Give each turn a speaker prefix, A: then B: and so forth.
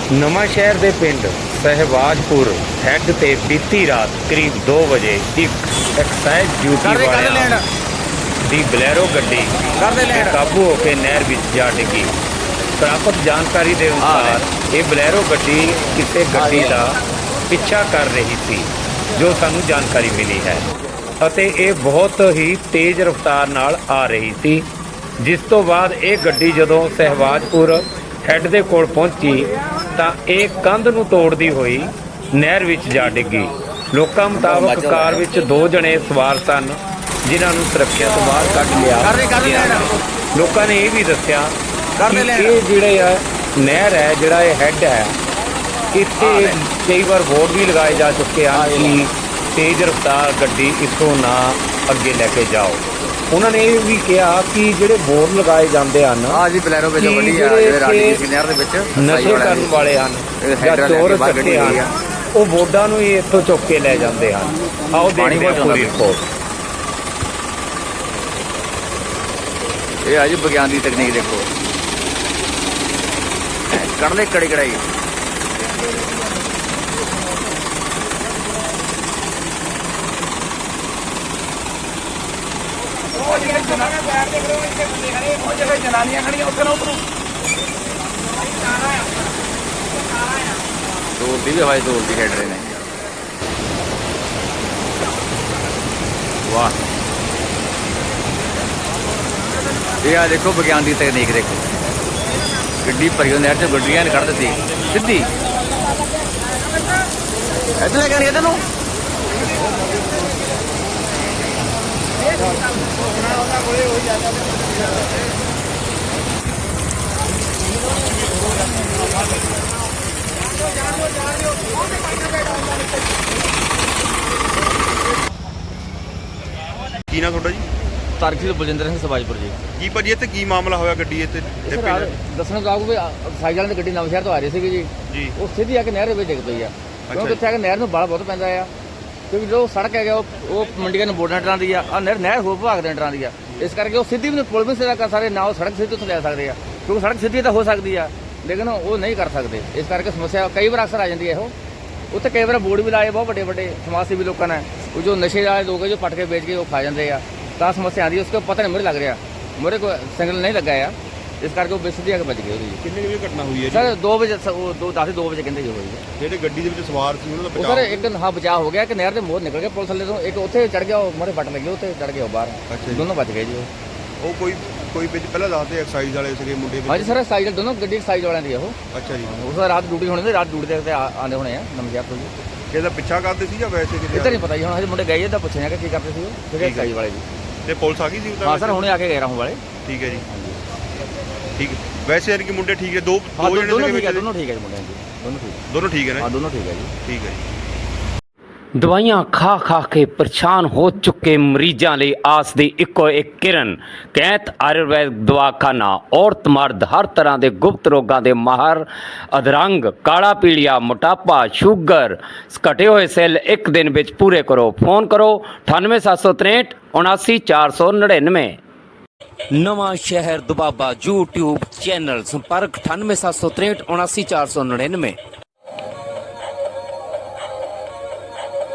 A: ਨਵਾਂ ਸ਼ਹਿਰ ਦੇ ਪਿੰਡ ਸਹਿਵਾਜਪੁਰ ਹੈੱਡ ਤੇ ਬੀਤੀ ਰਾਤ ਕਰੀਬ 2 ਵਜੇ ਇੱਕ ਐਕਸਾਈਜ਼ ਡਿਊਟੀ ਵਾਲਿਆਂ ਦੀ ਬਲੈਰੋ ਗੱਡੀ ਬੇਕਾਬੂ ਹੋ ਕੇ ਨਹਿਰ ਵਿੱਚ ਜਾ ਡਿੱਗੀ। ਪ੍ਰਾਪਤ ਜਾਣਕਾਰੀ ਦੇ ਅਨੁਸਾਰ ਇਹ ਬਲੈਰੋ ਗੱਡੀ ਕਿਸੇ ਗੱਡੀ ਦਾ ਪਿੱਛਾ ਕਰ ਰਹੀ ਸੀ, ਜੋ ਸਾਨੂੰ ਜਾਣਕਾਰੀ ਮਿਲੀ ਹੈ, ਅਤੇ ਇਹ ਬਹੁਤ ਹੀ ਤੇਜ਼ ਰਫ਼ਤਾਰ ਨਾਲ ਆ ਰਹੀ ਸੀ। ਜਿਸ ਤੋਂ ਬਾਅਦ ਇਹ ਗੱਡੀ ਜਦੋਂ ਸਹਿਵਾਜਪੁਰ ਹੈੱਡ ਦੇ ਕੋਲ ਪਹੁੰਚੀ ਤਾਂ ਇਹ ਕੰਧ ਨੂੰ ਤੋੜਦੀ ਹੋਈ ਨਹਿਰ ਵਿੱਚ ਜਾ ਡਿੱਗੀ। ਲੋਕਾਂ ਮੁਤਾਬਕ ਕਾਰ ਵਿੱਚ 2 ਜਣੇ ਸਵਾਰ ਸਨ, ਜਿਨ੍ਹਾਂ ਨੂੰ ਸੁਰੱਖਿਆ ਤੋਂ ਬਾਹਰ ਕੱਢ ਲਿਆ। ਲੋਕਾਂ ਨੇ ਇਹ ਵੀ ਦੱਸਿਆ ਕਿ ਇਹ ਜਿਹੜੇ ਆ ਨਹਿਰ ਹੈ, ਜਿਹੜਾ ਇਹ ਹੈੱਡ ਹੈ, ਇੱਥੇ ਕਈ ਵਾਰ ਬੋਰਡ ਵੀ ਲਗਾਏ ਜਾ ਚੁੱਕੇ ਹਨ ਕਿ ਤੇਜ਼ ਰਫ਼ਤਾਰ ਗੱਡੀ ਇੱਥੋਂ ਨਾ ਅੱਗੇ ਲੈ ਕੇ ਜਾਓ। ਉਹਨਾਂ ਨੇ ਇਹ ਵੀ ਕਿਹਾ ਕਿ ਜਿਹੜੇ ਬੋਰਡ ਲਗਾਏ ਜਾਂਦੇ ਹਨ
B: ਬਲੈਰੋ ਵਿੱਚ
A: ਨਸ਼ੇ ਕਰਨ ਵਾਲੇ ਹਨ ਜਾਂ ਚੋਰ ਚੱਕੇ ਹਨ, ਉਹ ਬੋਰਡਾਂ ਨੂੰ ਹੀ ਇੱਥੋਂ ਚੁੱਕ ਕੇ ਲੈ ਜਾਂਦੇ ਹਨ। ਆਓ ਦੇਖਦੇ ਹਾਂ ਪੂਰੀ ਰਿਪੋਰਟ।
B: ਇਹ ਆ ਜੀ ਵਿਗਿਆਨ ਦੀ ਤਕਨੀਕ, ਦੇਖੋ ਕੱਢ ਲੈ ਕੜੀ ਕੜਾਈ। ਜਨਾਨੀਆਂ ਖੜੀਆਂ ਉੱਥੇ ਨਾ ਉਤਰੋ। ਤੋੜਦੀ ਵੀ ਹਵਾਈ ਤੋੜਦੀ ਖੇਡ ਰਹੇ ਨੇ। ਵਾਹ, ਇਹ ਆ ਦੇਖੋ ਵਿਗਿਆਨ ਦੀ ਤਕਨੀਕ, ਦੇਖੋ ਗੱਡੀ ਭਰੀ ਨਹਿਰ ਚ ਗੱਡੀਆਂ ਨੇ ਕੱਢ ਦਿੱਤੀ ਸਿੱਧੀ। ਇੱਧਰ ਲੈ ਕੇ ਆਣੀ ਤੈਨੂੰ
C: ਕੀ ਨਾ ਤੁਹਾਡਾ ਜੀ?
B: ਤਰਕਸ਼ੀਲ ਬਲਜਿੰਦਰ ਸਿੰਘ ਸਵਾਜਪੁਰ ਜੀ।
C: ਕੀ ਭਾਜੀ ਇੱਥੇ ਕੀ ਮਾਮਲਾ ਹੋਇਆ ਗੱਡੀ ਇੱਥੇ?
B: ਦੱਸਣਾ ਚਾਹੂਗਾ ਵੀ ਸਾਈਕਲ ਵਾਲੇ ਦੀ ਗੱਡੀ ਨਵਾਂ ਸ਼ਹਿਰ ਤੋਂ ਆ ਰਹੀ ਸੀਗੀ ਜੀ। ਉਹ ਸਿੱਧੀ ਆ ਕੇ ਨਹਿਰ ਦੇ ਵਿੱਚ ਡਿੱਗ ਪਈ ਆ, ਕਿਉਂਕਿ ਇੱਥੇ ਆ ਕੇ ਨਹਿਰ ਨੂੰ ਬਾਲ ਬਹੁਤ ਪੈਂਦਾ ਆ, ਕਿਉਂਕਿ ਜੋ ਸੜਕ ਹੈਗਾ ਉਹ ਮੰਡੀਆਂ ਨੂੰ ਬੋਰਡਾਂ ਟਰਾਂ ਦੀ ਆ, ਨਹਿਰ ਹੋਰ ਵਿਭਾਗ ਦੇ ਟਰਾਂ ਦੀ ਆ। ਇਸ ਕਰਕੇ ਉਹ ਸਿੱਧੀ ਵੀ ਪੁਲ ਵੀ ਸਿੱਧਾ ਕਰ ਸਕਦੇ ਨਾ, ਉਹ ਸੜਕ ਸਿੱਧੀ ਉੱਥੇ ਲੈ ਸਕਦੇ ਆ, ਕਿਉਂਕਿ ਸੜਕ ਸਿੱਧੀ ਤਾਂ ਹੋ ਸਕਦੀ ਆ, ਲੇਕਿਨ ਉਹ ਨਹੀਂ ਕਰ ਸਕਦੇ। ਇਸ ਕਰਕੇ ਸਮੱਸਿਆ ਕਈ ਵਾਰ ਅਕਸਰ ਆ ਜਾਂਦੀ ਹੈ। ਇਹੋ ਉੱਥੇ ਕਈ ਵਾਰ ਬੋਰਡ ਵੀ ਲਾਏ ਬਹੁਤ ਵੱਡੇ ਵੱਡੇ ਸਮਾਜ ਸੇਵੀ ਲੋਕਾਂ ਨੇ, ਉਹ ਜੋ ਨਸ਼ੇ ਵਾਲੇ ਲੋਕ ਹੈ ਜੋ ਪਟ ਕੇ ਵੇਚ ਕੇ ਉਹ ਖਾ ਜਾਂਦੇ ਆ, ਤਾਂ ਸਮੱਸਿਆ ਆਉਂਦੀ। ਉਸको ਪਤਾ ਨਹੀਂ ਮੁਰੇ ਲੱਗ ਰਿਹਾ, ਮੁਰੇ ਕੋਈ ਸਿਗਨਲ ਨਹੀਂ ਲੱਗਾ ਆ, ਇਸ ਕਰਕੇ ਉਹ ਸਿੱਧੀ ਆ ਕੇ ਬਚ ਗਈ ਉਹਦੀ।
C: ਕਿੰਨੇ ਵਜੇ ਘਟਨਾ ਹੋਈ ਹੈ
B: ਸਰ 2 ਵਜੇ 2 ਵਜੇ ਕਹਿੰਦੇ ਜੀ ਹੋਈ ਹੈ।
C: ਜਿਹੜੇ ਗੱਡੀ ਦੇ ਵਿੱਚ ਸਵਾਰ ਸੀ ਉਹਨਾਂ ਦਾ
B: ਉਹ ਸਰ ਇੱਕ ਬਚਾਅ ਹੋ ਗਿਆ ਕਿ ਨਹਿਰ ਦੇ ਮੋਰ ਨਿਕਲ ਗਿਆ ਪੁਲਿਸ ਥੱਲੇ ਤੋਂ, ਇੱਕ ਉੱਥੇ ਚੜ ਗਿਆ, ਉਹ ਮਰੇ ਪਟ ਲੱਗੀ, ਉੱਥੇ ਚੜ ਗਿਆ ਬਾਹਰ, ਦੋਨੋਂ ਬਚ ਗਏ ਜੀ।
C: ਉਹ ਕੋਈ ਵਿੱਚ ਪਹਿਲਾਂ ਦੱਸਦੇ ਐਕਸਾਈਜ਼ ਵਾਲੇ ਸੀਗੇ ਮੁੰਡੇ ਵਿੱਚ?
B: ਹਾਂਜੀ ਸਰ, ਸਾਈਕਲ ਦੋਨੋਂ ਗੱਡੀ ਸਾਈਜ਼ ਵਾਲਿਆਂ ਦੀ ਉਹ।
C: ਅੱਛਾ ਜੀ।
B: ਉਸ ਰਾਤ ਡਿਊਟੀ ਹੋਣੀ ਸੀ, ਰਾਤ ਡਿਊਟੀ ਦੇ ਆਉਂਦੇ ਹੋਣੇ ਆ ਨਮਸ਼ਹਿਰ ਤੋਂ ਜੀ।
C: ਕਿਹਦਾ ਪਿੱਛਾ ਕਰਦੇ ਸੀ ਜਾਂ ਵੈਸੇ ਕਿਤੇ?
B: ਇੱਧਰ ਨਹੀਂ ਪਤਾ ਜੀ, ਹੁਣ ਹਜੇ ਮੁੰਡੇ ਗਏ ਇਹਦਾ ਪੁੱਛਿਆ ਕਿ ਕੀ ਕਰਦੇ ਸੀ ਉਹ, ਠੀਕ ਸਾਈਜ਼ ਵਾਲੇ ਦੀ।
C: ਤੇ ਪੁਲਿਸ ਆ ਗਈ ਸੀ?
B: ਹਾਂ ਸਰ, ਹੁਣੇ ਆ ਕੇ ਗਏ ਰਾਹੋਂ ਵਾਲੇ।
C: ਠੀਕ ਹੈ ਜੀ, ਠੀਕ ਹੈ। ਵੈਸੇ ਯਾਨੀ ਕਿ ਮੁੰਡੇ ਠੀਕ ਹੈ? ਦੋ
B: ਦੋਨੋਂ
C: ਜਣੇ
B: ਠੀਕ ਹੈ, ਦੋਨੋਂ ਠੀਕ ਹੈ ਜੀ ਮੁੰਡਿਆਂ ਦੀ,
C: ਦੋਨੋਂ ਠੀਕ ਹੈ ਨਾ?
B: ਹਾਂ ਦੋਨੋਂ ਠੀਕ ਹੈ ਜੀ।
C: ਠੀਕ ਹੈ ਜੀ।
A: ਦਵਾਈਆਂ ਖਾ ਖਾ ਕੇ ਪਰੇਸ਼ਾਨ ਹੋ ਚੁੱਕੇ ਮਰੀਜ਼ਾਂ ਲਈ ਆਸ ਦੀ ਇੱਕੋ ਇੱਕ ਕਿਰਨ ਕੈਂਤ ਆਯੁਰਵੈਦ ਦਵਾਖਾਨਾ। ਔਰਤ ਮਰਦ ਹਰ ਤਰ੍ਹਾਂ ਦੇ ਗੁਪਤ ਰੋਗਾਂ ਦੇ ਮਾਹਰ, ਅਧਰੰਗ, ਕਾਲਾ ਪੀਲੀਆ, ਮੋਟਾਪਾ, ਸ਼ੂਗਰ, ਘਟੇ ਹੋਏ ਸੈੱਲ ਇੱਕ ਦਿਨ ਵਿੱਚ ਪੂਰੇ ਕਰੋ। ਫੋਨ ਕਰੋ 98763 79499। ਨਵਾਂ ਸ਼ਹਿਰ ਦੁਬਾਬਾ YouTube ਚੈਨਲ, ਸੰਪਰਕ 98763 79499।